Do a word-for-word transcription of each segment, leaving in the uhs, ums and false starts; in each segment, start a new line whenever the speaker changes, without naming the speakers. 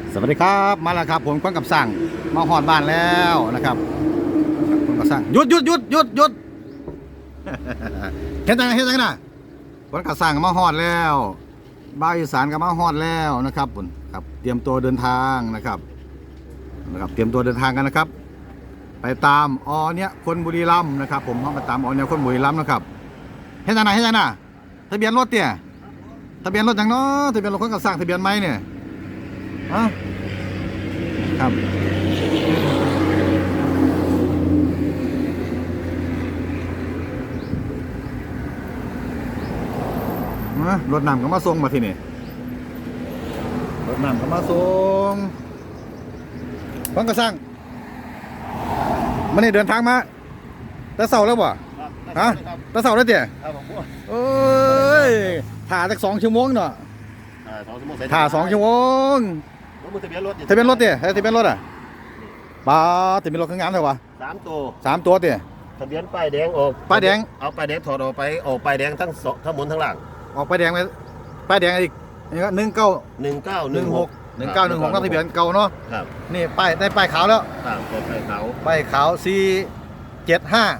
สวัสดีครับมาแล้วครับผมก้อนกับสั่งมาหอดบ้านแล้วนะครับก้อนกับสั่งหยุดหยุดหยุดหยุดหยุด เห็นจังเห็นจังนะก้อนกับสั่งมาหอดแล้วบ้าวอีสานก็มาหอดแล้วนะครับผมครับเตรียมตัวเดินทางนะครับนะครับเตรียมตัวเดินทางกันนะครับ ไปตามอเนี้ยคนบุรีรัมย์นะครับ ผมเขาไปตามอเนี้ยคนบุรีรัมย์นะครับเห็นจังนะเห็นจังนะทะเบียนรถเนี่ยทะเบียนรถจังเนาะทะเบียนรถก้อนกับสั่งทะเบียนไม้เนี่ยอะครับรถน้ำก็มาส่งมาที่นี่รถน้ำก็มาส่งฟังกระสังมันนี่เดินทางมาแต่เสาแล้วบ่ฮะแต่เสาแล้วเตี๋ยเอ้ยถ่าจากสองชั่วโมงเนาะถ่าสองชั่วโมงทะเบียนรถทะเบียนรถเตี๋ยทะเบียนรถอ่ะป้าทะเบียนรถข้างงานเท่าไหร่
สามตัว
สามตัวเตี๋ย
ทะเบียนป้ายแดงออก
ป้ายแดง
เอาป้ายแดงถอดออกไปออกป้ายแดงทั้งสองทั้งบนทั้งล่าง
ออกป้ายแดงไปป้ายแดงอีกนี่ก็หนึ่งเก้า
หนึ่งเก้าหนึ่งหก
หนึ่งเก้าหนึ่งหกต้องทะเบียนเก่าเนาะ
ครับ
นี่ป้ายได้ป้ายขาวแล้ว
ครับเปิดป้ายขาว
ป้ายขาวสี่เจ็ดห้า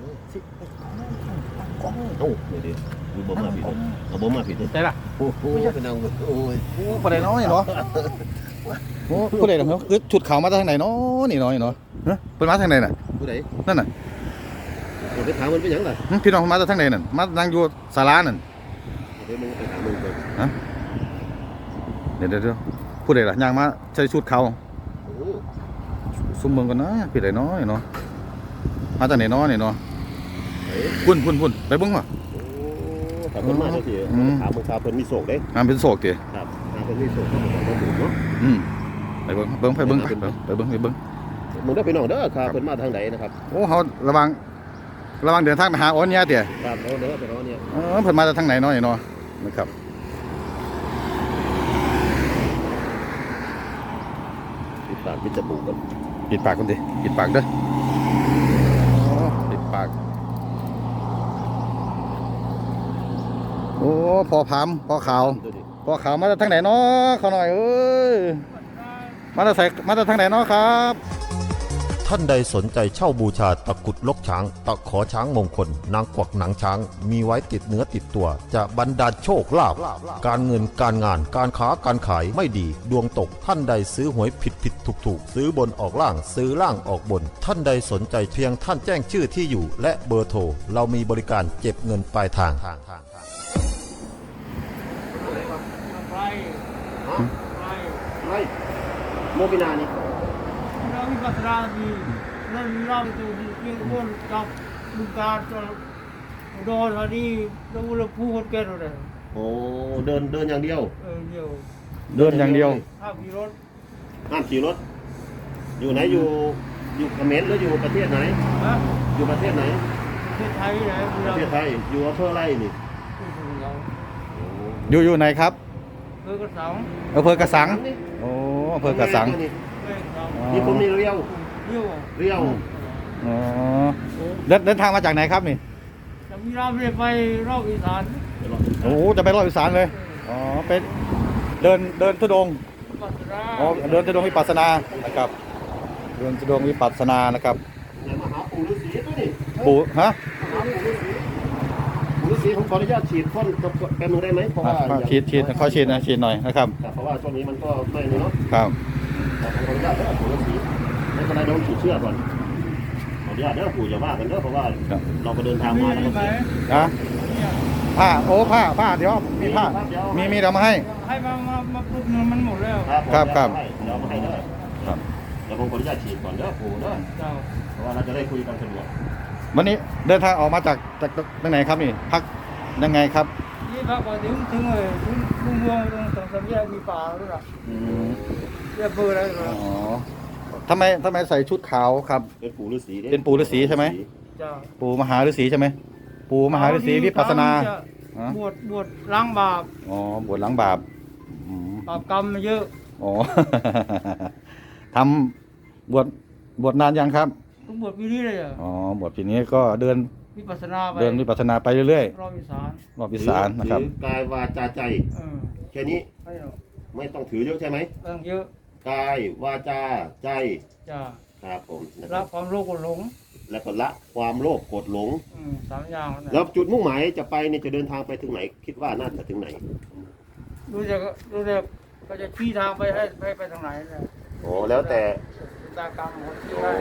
โอ้ไม่ดีดูบ่มาผิดเอาบ่มาผิด
ได้ละ
โอ้โหเป็นเอาโอ้ย
โอ้ประเด็นน้อยเนาะโอ้ผู้ใดเหรอเขาคือชุดขาวมาจากทางไหนเนาะนี่น้อยเนาะเฮ้ยเป็นมาทางไหนน่ะ
ผู้ใด
นั่นน่ะ
เดี๋ยวไปถามมันเป็นยังไง
พี่น้องมาจากทางไหนนั่นมานั่งอยู่ศาลานั่น
เดี๋ยวมึงไปถามมึงก่อน
ฮะเดี๋ยวเดี๋ยวผู้ใดล่ะย่างมาใส่ชุดขาวซุ่มเมืองกันนะพี่ใดน้อยเนาะมาจากไหนน้อยนี่เนาะพุ่นพุ่นพุ่นไปเบิ้งว่ะ
ถามเพิ่นมาเท่าที่ถามมึงถามเพิ่นมีโศกเด้
งานเป็นโศกเตี๋ย
ครับถามเพิ่นมีโศกเขาบอกว่าถูกเนาะ
อืมไปเบิ้งเบิ้งไปเบิ้งไปเบิ้งไปเบิ้งไปเบิ้ง
มึงได้ไปน้องเด้อครับเพิ่นมาทางไหนนะครับ
โอ้เขาระวังระวังเดินทางไปหาอ้อนเนี่ยเตี๋ย
ครับเด้อไปน้องเนี่ย
เออเพิ่นมาจากทางไหนน้อยเนาะนะครับ
ปิดปากปิดจมูกกัน
ปิดปากคนดิปิดปากเด้อปิดปากโอ้พอพามพอขาวพอขาวมาจากทางไหนเนาะเขาหน่อยเอ้ยมาจากใส่มาจากทางไหนเนาะครับ
ท่านใดสนใจเช่าบูชาตะกุดลกช้างตะขอช้างมงคลนางกวักหนังช้างมีไว้ติดเนื้อติดตัวจะบรรดาลโชคลาภการเงินการงานการค้าการขายไม่ดีดวงตกท่านใดซื้อหวยผิดผิดถูกถูกซื้อบนออกล่างซื้อล่างออกบนท่านใดสนใจเพียงท่านแจ้งชื่อที่อยู่และเบอร์โทรเรามีบริการเก็บเงินปลายทาง
ไรโมบินานี่
เรามีปัสสาวะดีเราเราจะมีกระบวนการดูการจะโดนอะไรเราเราพูดกันเลย
โอ้เดินเดินอย่างเดียว
เออเดียว
เดินอย่างเดียว
ห้ามขี่รถ
ห้ามขี่รถอยู่ไหนอยู่อยู่เขมรหรืออยู่ประเทศไหนอยู่ประเทศไหน
ประเทศไทยไหน
ประเทศไทยอยู่อำเภออะไรนี่
อยู่อยู่ไหนครับ
อำเภอกระสัง
อำเภอกระสังโอ้อำเภอกระสัง
นี่ผมนี่เรียว
เรียว
เรียว
อ๋อเดินเดินทางมาจากไหนครับนี่
จะมีเราไม่ไปรอบอีสาน
โอ้จะไปรอบอีสานเลยอ๋อไปเดินเดินทุดงอ๋อเดินทุดงวิปัสสนานะครับเดินทุดงวิปัสสนานะครับ
มาหาปู่ฤาษีตัวนี้
ปู่ฮะ
ปู่ฤาษีผมขออนุญาตฉีดพ่นแป๊บนึงได้ไหมเพราะว่า
ฉีดฉีดขอฉีดนะฉีดหน่อยนะครับ
เพราะว่าช่วงนี้มันก็ไม่เลยเนาะ
ครับ
ขออนุญาตปู่ฤาษีไม่เป็นไรโดนฉีดเชือกก่อนขออนุญาตเด้อปู่อย่าว่ากันเด้อเพราะว่าเราก็เดินทางมาแล้วก็
นะผ้าโอ้ผ้าผ้าเดี๋ยวมีผ้ามีมีเดี๋ยวมาให้
ให้มามามาปุ๊บมันหมดแล้ว
ครับครับ
เดี๋ยวมาให้เด้อครับเดี๋ยวผมขออนุญาตฉีดก่อนเด้อปู่เด้อเพราะว่าเราจะได้คุยกันสะดวก
วันนี้เดินทางออกมาจากจากตรงไหนครับนี่พักยังไงครับ
นี่พักไปถึงถึงเลยถึงลุงเมืองตรงตรงสามแยกมีป่าด้วยอ่ะอืมแยกเบอร์อะไร
อ๋อทำไมทำไมใส่ชุดขาวครับ
เป็นปู่ฤาษี
เป็นปู่ฤาษีใช่ไหมปู่มหาฤาษีใช่ไหมปู่มหาฤาษีวิปัสสนา
บวชบวชล้างบาป
อ๋อบวชล้างบาป
บาปกรรมเยอะ
อ๋อทำบวชบวชนานยังครับ
ต้องบวชปีนี้เลยอ่ะ
อ๋อบวชปีนี้ก็เดิน
วิปัสสนาไป
เดินวิปัสสนาไปเรื่อย
ๆรอบวิสาน
รอบวิสานนะครับ
กายวาจาใจแค่นี้ไม่ต้องถือเยอะใช่ไหม
ต้องเยอะ
กายวาจาใจ
จ้า
ครับผมนะค
ละ
รับ
ความโลภก็หลง
แล้วก็ละความโลภโกรธหลง
อืมสามอย่างนั่น
แล้
นะ
วจุดมุ่งหมายจะไปเนี่ยจะเดินทางไปถึงไหน คิดว่าน่าจะถึงไหน
รู้จักรู้จักก็จะชี้ทางไปให้ให้ไปทางไหนนะ
โอ้แล้วแต่
ชะตากรรมของที่
โอ้
ได้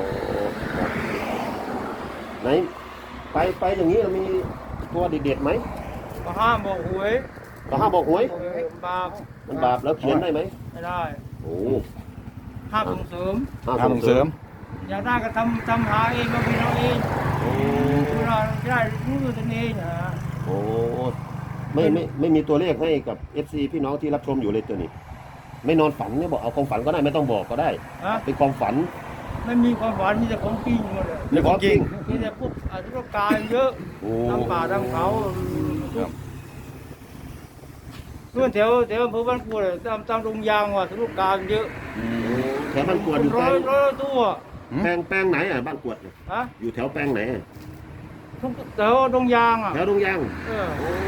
ไหนไปไปอย่างนี้มีตัวเด็ดๆไหม
ก็ห้ามบอกหวย
ก็ห้ามบอกหวย
เออบาป
มันบาปแล้วเขียนได้ไหม
ไม่ได้
โอ้
ห้ามส่งเสริม
ห้ามส่งเสริม
อยากได้ก็ทำทำหาเองก็เป็นเอาเอง
โอ้
เวลาได้รู้ด้วยตนเองนะ
โอ้ไม่ไม่ไม่มีตัวเลขให้กับ เอฟ ซี พี่น้องที่รับชมอยู่เลยตัวนี้ ไม่นอนฝันเนี่ยบอกเอาความฝันก็ได้ไม่ต้องบอกก็ได้
ฮะ
เป็นความฝัน
ไม่มีความฝันมีแต่ของจริงหมดเลย
นี่ของจริง
มีแต่พวกอธิรการเยอะ
โอ้
ทำป่าทำเขา
ครับ
เพื่อนแถวแถวอำเภอบ้านกรวดเลยตามตามโรงยางว่ะอธิรการเยอะ
แถวบ้านกวดอยู่
ร้
แปล
อย
ง
ร้อยตัว
แปลงแปลงไหนอ่ะบ้านกวดเนี่ย
ฮะ
อยู่แถวแปลงไหนอะ
ทุกแถวโรงยางอ่ะ
แถวดงยาง
เออ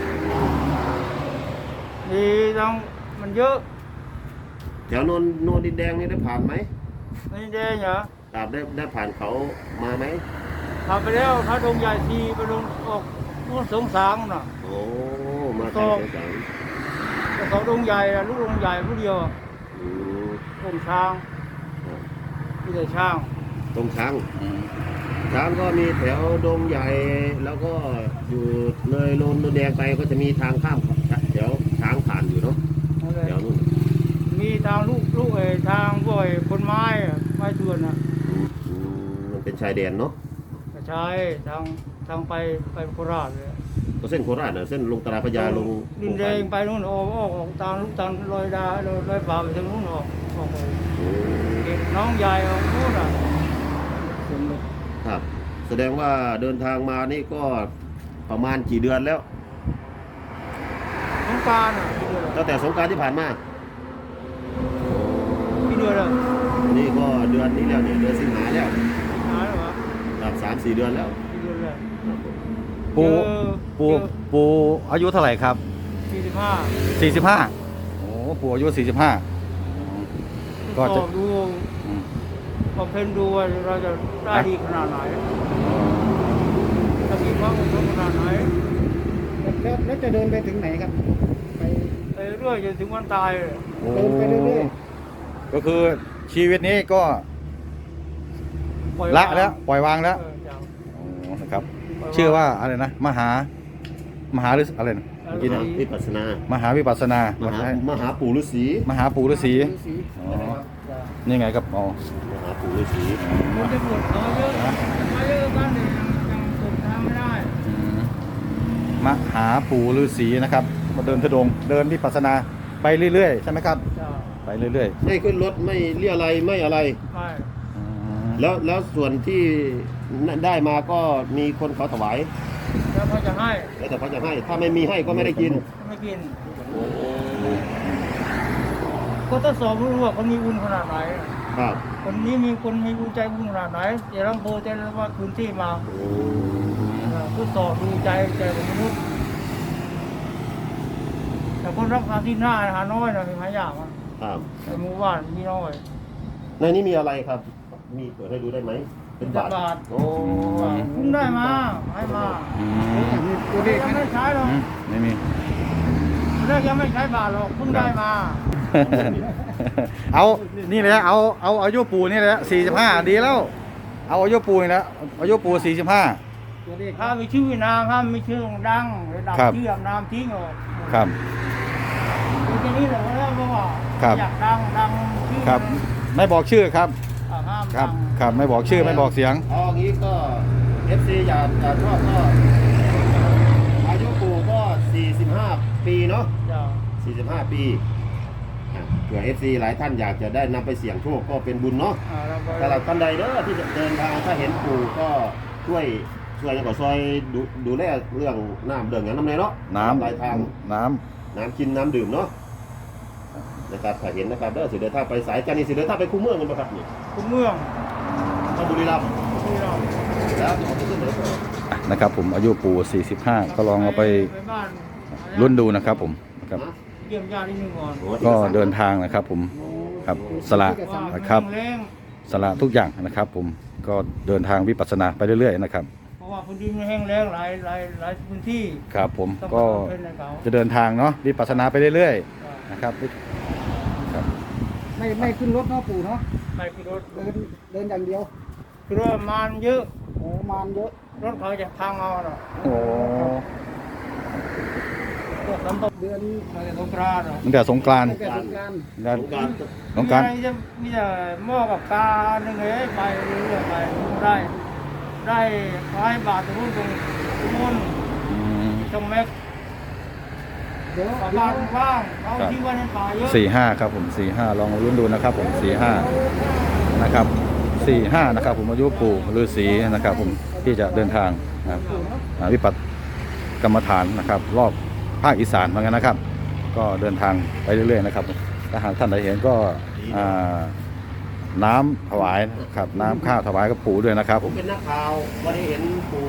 มีทั้งมันเยอะ
แถวโนนโนนดินแดงนี่ได้ผ่านไหม
ในแดงเหรอ
ครับได้ได้ผ่านเขามาไหม
ทำไปแล้วพระดงใหญ่ทีไปลงออกนู่นสงสางน่ะ
โอ้มาทางสงสาร
แต่เขาดงใหญ่อะลูกดงใหญ่ผู้เดียวอะ
อืม
ดงช้างมีแต่ช้าง
ตรงช้างช้างก็มีแถวดงใหญ่แล้วก็อยู่เลยโนนดินแดงไปก็จะมีทางข้ามแถวช้างผ่านอยู่เนาะ
นั่นแหละ
แถวนู้น
มีทางลูกลูกเออทางพวกไอ้คนไม้อะไม้ชวนอ่ะ
อืมมันเป็นชายแดนเนาะ
ก็ใช้ทางทางไปไปโคราชเลย
ก็เส้นโคราชน่ะเส้นลงตราพระยาลง
ดินแดงไปนู่นออกออกออกทางลูกทางลอยดาลอยลอยป่าไปทางนู้นออกออกไป
โอ้
เก็บน้องใหญ่ออกนู่นอ่ะ
ครับ แสดงว่าเดินทางมานี่ก็ประมาณกี่เดือนแล้ว
น้องกรารอ่ะกี่เดือน
ตั้งแต่สงกรานต์ที่ผ่านมา
กี่เดือนอ่ะ
นี่ก็เดือนนี้แล้วเนี่ยเดือนสิงหาแล้ว
หายแล้วเหรอ
ครับสามสี่เดือนแล้ว
กี่เดือนแล้ว
ปู
เจอ
ปูปูอายุเท่าไหร่ครับ
สี่สิบห้า
สี่สิบห้าโอ้ปูอายุสี่สิบห้าก็
ก็
จะ
ดู
อืม
บำเพ็ญดูว่าเราจะได้ดีขนาดไหนจะมีความอดทนขนาดไหน
แล้วแล้วจะเดินไปถึงไหนครับ ไป
ไปเรื่อยจนถึงวันตายเลย
เดินไปเรื่อย
ก็คือชีวิตนี้ก็
ปอย
ละ
วาง
แล้วปล่อยวางแล้ว
เออจ้ะ
โอ้นะครับ
ปล่ยง
ชื่อว่าอะไรนะมหามหาหรืออะไรนะเมื่อกี้
ม
นะ
หาวิปัสสนาม
หาวิปัสสนาม
มหามหาปู่ฤาษี
มหาปู่ฤาษี
ๆฤาษี
อ๋อนี่ไงครับอ๋อ
มหาปู่ฤาษี
มันจะปวดเขาเยอะมาเยอะกันเนี่ยยังยังสุดทางไม่ได้
อืมมหาปู่ฤาษีนะครับมาเดินทุดงค์เดินวิปัสสนาไปเรื่อยๆใช่ไหมครับ
จ้ะ
ไปเรื่อย
ไม่ขึ้นรถไม่เรียอะไรยไม่อะไร
ไม่
ๆอืม
แล้วแล้วส่วนที่ได้มาก็มีคนเขาถวาย
แล้วเขาจะให้
แล้วแต่เขาจะให้ ถ้าไม่มีให้ก็ไม่ได้กิน
ไม่กินก็ทดสอบรู้ว่าคนมีบุญขนาดไหน
ครับ
คนนี้มีคนมีบุญใจบุญขนาดไหนเดี๋ยวลำโพจะเรียกว่าคืนที่มา
โอ้
ทดสอบดูใจใจของมนุษย์แต่คนรักษาที่หน้าหาน้อยนะมีหายากอ่ะ
ครับ
ในหมู่บ้านมีน้อย
ในนี้มีอะไรครับ มีเปิดให้ดูได้ไหม เป็นบาท
เป็นบาท
โอ้
เพิ่งได้มาให้มา
อืม
มีตัวเลข
ยัง
ไหม
ไม่ใช้หรอก
อืมไม่มี
แรกยังไม่ใช้บาทหรอกเพิ่งได้มา
เอา นี่แหละ เอา เอาอายุปูนี่แหละสี่สิบห้าดีแล้ว เอาอายุปูนี่แหละอายุปูสี่สิบห้า
ตัวเลข
ถ้ามีชื่อนามถ้ามีชื่อดังระดับ
ครับ
ชื่อนามทิ้งออก
ครับ
คือแค่นี้แหละแล้วเพราะว่า
ครับ
อยากดังดังชื่อ
ครับ ไม่บอกชื่อครับ
อ่าห้าม
ครั
ดั
บ
ง
ครับ ไม่บอกชื่อ ไม่บอกเสียง
เอาอย่างนี้ก็ เอฟ ซี อยากอยากชอบก็อายุปู่ก็ สี่สิบห้า ปีเนาะ
จ้ะ
สี่สิบห้า ปีอ่ะเผื่อ เอฟ ซี หลายท่านอยากจะได้นำไปเสี่ยงโชคก็เป็นบุญเนาะ
อ่าเราไป
สำหรับท่านใดเด้อที่จะเดินทางถ้าเห็นปู่ก็ช่วยช่วยอย่างก็ซอยดูดูแลเรื่องน้ำเดือดอย่างน้ำในเนาะ
น้ำ
ปลายทาง
น้
น้ำกินน้ำดื่มเนาะนะครับถ้าเห็นนะครับเด้อสิเดินทางไปสายจันทร์นี่สิเดินทางไปคุ้มเมืองกันปะครับนี่
คุณเมือง
เข้าบุรีรัมย์
ที่เรา
แล้วจะมาขึ้นเหนือ
ำนะครับผม อายุปูสี่สิบห้าก็ลองเอาไป
ไปบ้าน
รุ่นดูนะครับผมนะครับ
เยี่ยมญาตินิดนึงก่อน
ก็เดินทางนะครับผม
ส
ครับสละ
ว่า
ครับ
แรง
สละทุกอย่างนะครับ ผมก็เดินทางวิปัสสนาไปเรื่อยๆนะครับ
เพราะว่าพื้นที่มันแห้งแล้งหลายหลายหลายพื้นที่
ครับผม
ต้อง
ก็
เป็นในเขา
จะเดินทางเนาะวิปัสสนาไปเรื่อยๆนะครับครับ
ไม่ไม่ขึ้นรถเนาะปู่เนาะ
ไม่คือรถ
เดินเดินอย่างเดียว
คือรถมันเยอะ
โอ้มานเยอะ
รถเขาจะพังเอาเนาะ
โอ้
พวกสัมภาระ
เดือน
มาจากสงกรานต์เนาะ
ตั้งแต่สงกรานต์
ตั้งแต่สงกรานต์
แล้ว
สงกราร
สงกรานต์
มีอะไรจะมีแต่หม้อกับกาหนึ่งเลยไปเรื่อยๆไปได้ ได้ร้อยบาทตรงนู้นตรงนู้น
อืม
ตรงแม็ก
เดี๋ยว
ประ
เดี๋
มา
ยว
ณว่างเอาที่ว่าในป่าเยอะ
สี่ห้าครับผมสี่ห้าลองรุ่นดูนะครับผมสี่ห้านะครับสี่ห้านะครับผมอายุปู่ฤาษีนะครับ ผมที่จะเดินทางนะครับอ่าวิปัสสกรรมฐานนะครับ รอบภาคอีสานเหมือนกันนะครับ ก็เดินทางไปเรื่อยๆนะครับถ้าหากท่านใดเห็นก็อ่าน้ำถวายนะครับน้ำข้าวถวายกับปู่ด้วยนะครับ
ผมเป็นนักข่าววันนี้เห็นปู่